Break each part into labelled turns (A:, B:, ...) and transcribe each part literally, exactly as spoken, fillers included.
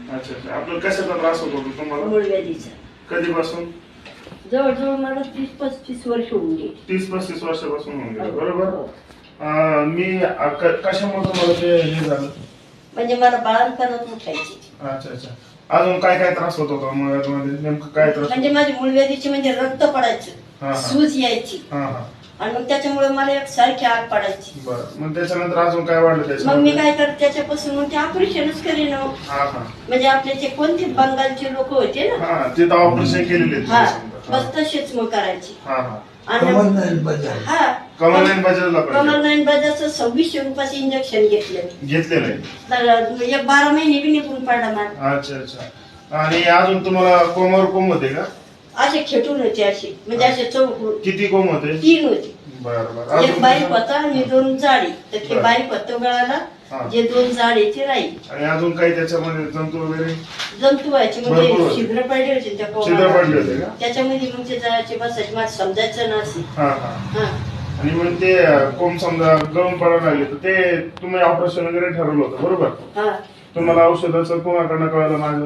A: अच्छा अच्छा. आपलं कशाचा त्रास होत होता तुम्हाला?
B: मूळव्याधीचा.
A: कधीपासून?
B: जवळजवळ मला तीस पस्तीस वर्ष होऊन गेली.
A: तीस पस्तीस वर्षापासून होऊन गेलं, बरोबर.
B: हो.
A: अं, मी अ, क- कशामुळे तुम्हाला ते हे झालं?
B: म्हणजे मला बाळणपणात उठायची.
A: अच्छा अच्छा. अजून काय काय त्रास होत होता मुळव्याधीमध्ये? नेमकं काय त्रास?
B: म्हणजे माझी मूळव्याधीची म्हणजे रक्त
A: हा,
B: पडायचं,
A: हा.
B: सूज यायची
A: हा हा.
B: आणि मग त्याच्यामुळे मला एक सारखी आग पडायची.
A: बरं, मग त्याच्यानंतर अजून काय वाढलं
B: मग मी
A: त्याच्यामध्ये?
B: काय करते त्याच्यापासून मग ते ऑपरेशनच करीन.
A: हा हा.
B: म्हणजे आपले ते कोणते बंगालचे लोक होते ना,
A: हा, ते तर ऑपरेशन केलेले आहेत
B: हा
A: तुम्ही समजा.
B: बस तसेच मग करायची.
A: हा हा.
B: आणि
C: कमल नाही बजाज.
B: हा
A: कमल नाईन बजाजला पाहिजे.
B: कमल नाईन बजाजचं सव्वीसशे रुपयाचं इंजेक्शन घेतलं.
A: घेतलेलं आहे.
B: तर एक बारा महिने बी निघून पडला मला.
A: अच्छा अच्छा. आणि अजून तुम्हाला कोमावर कोंब होते का?
B: असे खेटून होते असे, म्हणजे असे चौक
A: किती कोंब होते?
B: तीन होते.
A: बरं बरं.
B: एक
A: अजून
B: बारीक
A: तुम्हाला-
B: होता आणि दोन जाडी. तर ते
A: बरं.
B: बारीक होतं गळाला,
A: हा.
B: जे दोन जाडी ते राहील.
A: आणि अजून काही त्याच्यामध्ये जंतू वगैरे
B: जंतू व्हायचे
A: भरपूर
B: म्हणजे
A: होते.
B: छिद्र पडले होते त्या
A: छिद्र
B: कोंबाला.
A: पडले होते का?
B: त्याच्यामध्ये मग ते जायचे बसायचे, मला समजायचं ना असे.
A: हा हा.
B: हा.
A: आणि मग ते कोंब समजा गळून पडायला लागले तर ते तुम्ही ऑपरेशन वगैरे ठरवलं होतं, बरोबर?
B: हा.
A: तुम्हाला औषधाचं कोणाकडनं कळलं माझं?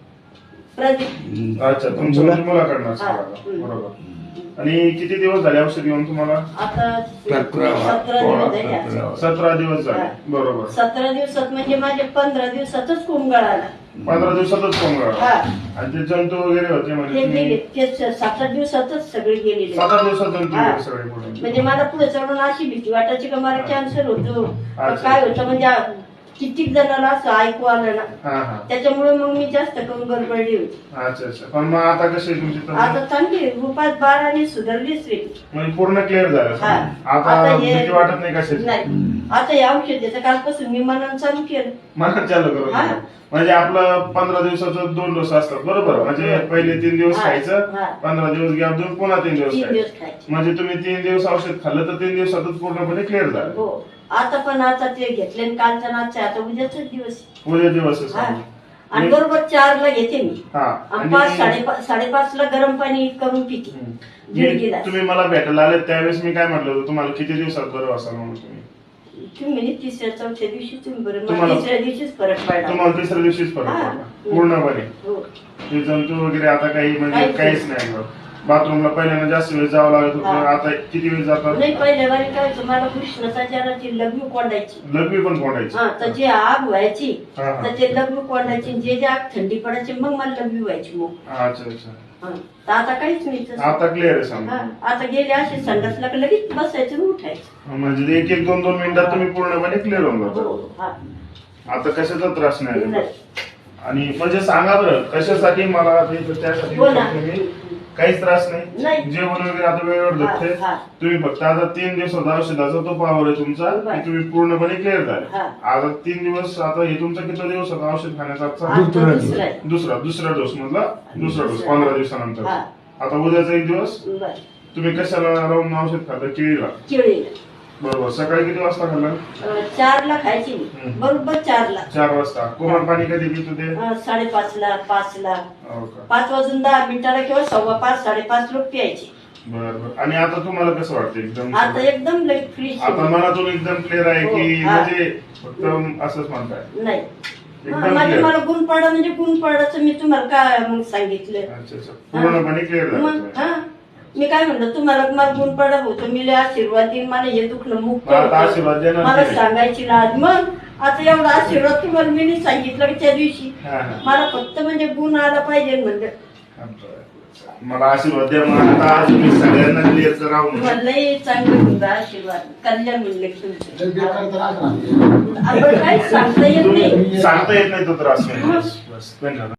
B: प्रदीप.
A: अच्छा, तुमच्या म्हणजे मुलाकडनं
B: हा.
A: कळलं, बरोबर. आणि किती दिवस झाले औषध घेऊन तुम्हाला?
B: आता
C: सतरा.
B: सतरा दिवस झाले आज.
A: सतरा दिवस झाले,
B: हा.
A: बरोबर.
B: सतरा दिवसात म्हणजे माझे पंधरा दिवसातच कोंब गळाला.
A: पंधरा दिवसातच कोंब गळाला.
B: हा.
A: आणि ते जंतू वगैरे होते म्हणजे
B: ते
A: तुम्ही-
B: गेले ते सात आठ दिवसातच सगळे गेलेले.
A: सात आठ दिवसात जंतू
B: हा.
A: वगैरे सगळे पडून.
B: म्हणजे मला पुढे चढून अशी भीती वाटायची का मला कॅन्सर होतो का
A: अच्छा.
B: काय होतं, म्हणजे कित्येक जणांना असं ऐकू आलं ना,
A: हा हा.
B: त्याच्यामुळे मग मी जास्त करून गडबडली होती.
A: अच्छा अच्छा. पण मग आता कशी आहे तुमची तब्येत?
B: आता चांगली रुपात बाराने सुधारलीच रे.
A: म्हणजे पूर्ण क्लिअर झालं
B: हा.
A: समजा. आता
B: आता हे-
A: भीती वाटत नाही कशाची?
B: नाही, आता हे औषध देतं कालपासून मी मनानं चालू केलं.
A: मला चालू करू
B: हा.
A: म्हणजे आपलं पंधरा दिवसाचं दोन डोस असतात, बरोबर? म्हणजे पहिले तीन दिवस
B: हा.
A: खायचं,
B: हा.
A: पंधरा दिवस गॅप देऊन पुन्हा तीन दिवस
B: तीन
A: खायचं.
B: दिवस खायचे.
A: म्हणजे तुम्ही तीन दिवस औषध खाल्लं तर तीन दिवसातच पूर्णपणे क्लिअर झालं.
B: हो. आता पण आता ते घेतले आणि कालच्या नाचचे आता उद्याच दिवस.
A: उद्या दिवस
B: हा. आणि बरोबर चारला घेते मी.
A: हा.
B: आणि पाच साडेपाच साडेपाच ला गरम पाणी करून पिते. दीड
A: मी-
B: गिलास.
A: तुम्ही मला भेटायला आले त्यावेळेस मी काय म्हटलं होतं तुम्हाला किती दिवसात बरं असाल म्हणून तुम्ही?
B: तुम्ही तिसऱ्या चौथ्या दिवशी तुम्ही बरं, मला
A: तुम्हाला-
B: तिसऱ्या दिवशीच फरक पडला.
A: तुम्हाला तिसऱ्या दिवशीच फरक
B: हा.
A: पडला पूर्णपणे.
B: हो.
A: ते जंतू वगैरे आता काही म्हणजे
B: काहीच
A: काहीच नाही. बाथरूमला पहिल्यांदा जास्त वेळ जावं लागत होतं,
B: हा.
A: आता किती वेळ जातात?
B: नाही, पहिल्या वारी काय होतं, मला कृष्णाचा जराची लग्न कोंडायची.
A: लघवी पण कोंडायची.
B: हा, तर जे आग व्हायची
A: हा, हा.
B: तर ते लग्न कोंडायची, जे जे आग थंडी पडायची मग मला लग्न व्हायची मग.
A: अच्छा अच्छा.
B: हा. तर आता काहीच नाही तसं.
A: आता क्लिअर आहे
B: हा.
A: समजा.
B: आता गेले असे संडासला की लगेच बसायचं आणि उठायचं.
A: म्हणजे एक एक दोन दोन मिनिटात तुम्ही पूर्णपणे क्लिअर होऊन जाता.
B: हो. हा.
A: आता कशाचा त्रास नाही
B: नाही.
A: आणि म्हणजे सांगा बरं कशासाठी मला ते- त्यासाठी
B: हो ना.
A: तुम्ही काहीच त्रास नाही.
B: नाही.
A: जेवण वगैरे आता वेळेवर
B: हा,
A: भेटते.
B: हा.
A: तुम्ही फक्त आता तीन दिवसात औषधाचा तो पावर आहे तुमचा
B: बरं.
A: की तुम्ही पूर्णपणे क्लिअर झाले.
B: हा.
A: आता तीन दिवस आता हे तुमचा किती दिवस होता औषध खाण्याचा?
B: आता
C: दुसरा
B: दुसरा आहे.
A: दुसरा दुसरा डोस मधला दुसरा डोस
B: दुसरा.
A: पंधरा दिवसानंतर.
B: हा.
A: आता उद्याचा एक दिवस
B: बरं.
A: तुम्ही कशाला राहून औषध खाता? केळीला.
B: केळीला.
A: बरोबर. सकाळी किती वाजता खाल्लं?
B: अं, चारला खायची मी.
A: हम्म.
B: बरोबर चारला.
A: चार वाजता. कोमट पाणी कधी पित होते?
B: अं, साडेपाचला पाचला
A: हो का?
B: पाच वाजून दहा मिनिटाला किंवा सव्वा पाच साडेपाच लोक प्यायचे.
A: बर बर. आणि आता तुम्हाला कसं वाटतं एकदम?
B: आता एकदम लई फ्री.
A: आता मनातून एकदम क्लिअर आहे की
B: हो, हा.
A: म्हणजे फक्त असंच म्हणताय?
B: नाही,
A: एकदम
B: माझे
A: clear.
B: मला गुण पडा म्हणजे गुण पडायचं मी तुम्हाला काय मग सांगितलं.
A: अच्छा अच्छा. पूर्णपणे क्लिअर
B: मग
A: झालं.
B: हा, मी काय म्हणलं तुम्हाला मला गुण पडा होतो, मी लय आशीर्वाद देईन, मला हे दुखणं मुक्त
A: मग आता
B: होतं.
A: आशीर्वाद देणार
B: मला
A: नाही.
B: सांगायची लाज. मग आता एवढा आशीर्वाद तुम्हाला मी नाही सांगितलं की त्या दिवशी.
A: हा, हा.
B: मला फक्त म्हणजे गुण आला पाहिजे म्हणलं.
A: मला आशीर्वाद द्या मग आता आज मी सगळ्यांना क्लिअर राहून.
B: तुम्हाला लय चांगलं म्हणलं आशीर्वाद, कल्याण म्हणलं की
C: तर
B: तुमचं.
C: बेकार त्रास राहते.
B: आपण काहीच सांगता येत नाही.
A: सांगता येत नाही तो त्रास. बस, बस. धन्यवाद.